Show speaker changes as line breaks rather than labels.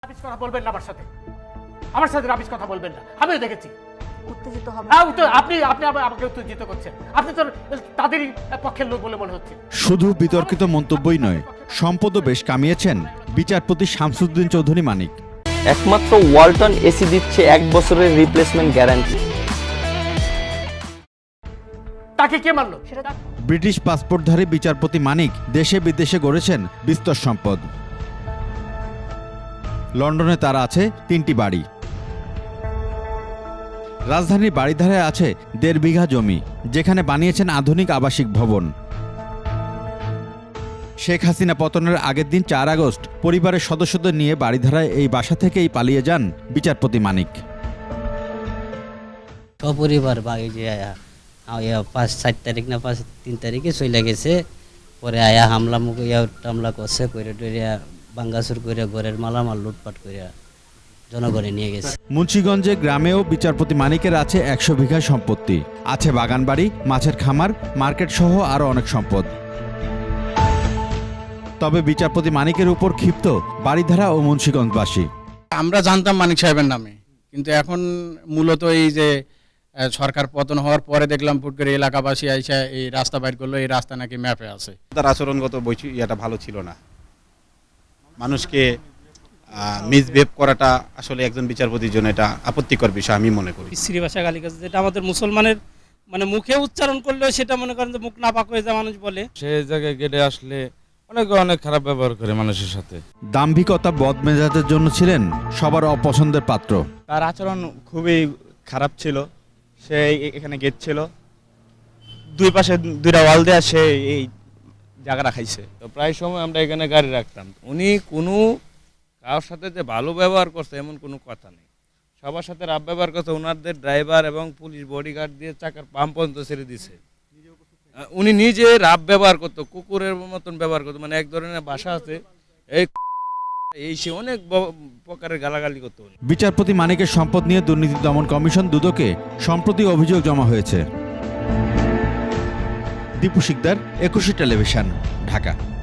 Rubbish কথা বলবেন না আমার সাথে রাবিশ কথা বলবেন না। আমিও দেখেছি।
উত্তেজিত হবে
আপনি আমাকে উত্তেজিত করছেন। আপনি তো তাদেরই পক্ষের লোক বলে মনে হচ্ছে।
শুধু বিতর্কিত মন্তব্যই নয়, সম্পদও বেশ কামিয়েছেন বিচারপতি শামসুদ্দিন চৌধুরী মানিক।
একমাত্র ওয়ালটন এসি দিচ্ছে 1 বছরের রিপ্লেসমেন্ট গ্যারান্টি।
তাকে কে মারলো? সেটা
ব্রিটিশ পাসপোর্টধারী বিচারপতি মানিক দেশে বিদেশে গড়েছেন বিস্তর সম্পদ। লন্ডনে তার আছে 3টি বাড়ি। রাজধানীর বাড়িধারায় আছে 1.5 বিঘা জমি, যেখানে বানিয়েছেন আধুনিক আবাসিক ভবন। শেখ হাসিনা পতনের আগের দিন 4 আগস্ট পরিবারের সদস্যদের নিয়ে বাড়িধারায় এই বাসা থেকেই পালিয়ে যান বিচারপতি মানিক।
সপরিবার বাগে যে আয়া 5-4 তারিখ না 3 তারিখে চলে গেছে। পরে আয়া টামলা করছে করে টরিয়া বাঙ্গাসুর করে ঘরের মালামাল লুটপাট করে জনগণে নিয়ে গেছে।
মুন্সিগঞ্জে গ্রামেও বিচারপতি মানিকের আছে 100 বিঘা সম্পত্তি, আছে বাগানবাড়ি, মাছের খামার, মার্কেট সহ আরও অনেক সম্পদ। তবে বিচারপতি মানিকের উপর ক্ষিপ্ত বাড়িধারা ও মুন্সিগঞ্জবাসী।
আমরা জানতাম মানিক সাহেবের নামে, কিন্তু এখন মূলত এই যে সরকার পতন হওয়ার পরে দেখলাম ফুট করে এলাকাবাসী আইসা এই রাস্তা বাইর করলো, এই রাস্তা নাকি ম্যাপে আছে।
তার আচরণগত এটা ভালো ছিল না। মানুষকে মিসবিহেভ করাটা আসলে একজন বিচারপতির জন্য এটা আপত্তিকর বিষয় আমি মনে করি।
স্ত্রী ভাষা গালিগালাজ যেটা আমাদের মুসলমানের মানে মুখে উচ্চারণ করলেও সেটা মনে করেন যে মুখ নাপাক হয়ে যায় মানুষ বলে।
সেই জায়গায় গেটে আসলে অনেক খারাপ ব্যবহার করে মানুষের সাথে।
দাম্ভিকতা বদমেজাজের জন্য ছিলেন সবার অপছন্দের পাত্র।
তার আচরণ খুবই খারাপ ছিল। সে এখানে গেট ছিল, 2 পাশে 2টা ওয়াল দেয়া, সে এই জায়গাটা খাইছে।
তো প্রায় সময় আমরা এখানে গাড়ি রাখতাম। উনি কোনো কারোর সাথে যে ভালো ব্যবহার করছে এমন কোনো কথা নেই, সবার সাথে রাব ব্যবহার করছে। ওনাদের ড্রাইভার এবং পুলিশ বডিগার্ড দিয়ে চাকার পাম্প পর্যন্ত ছেড়ে দিছে। উনি নিজে রাব ব্যবহার করতো, কুকুরের মতন ব্যবহার করতো। মানে এক ধরনের ভাষা আছে, এই সে অনেক প্রকারের গালাগালি করতো।
বিচারপতি মানিকের সম্পদ নিয়ে দুর্নীতি দমন কমিশন দুদকে সম্প্রতি অভিযোগ জমা হয়েছে। দীপু শিকদার, 21 টেলিভিশন, ঢাকা।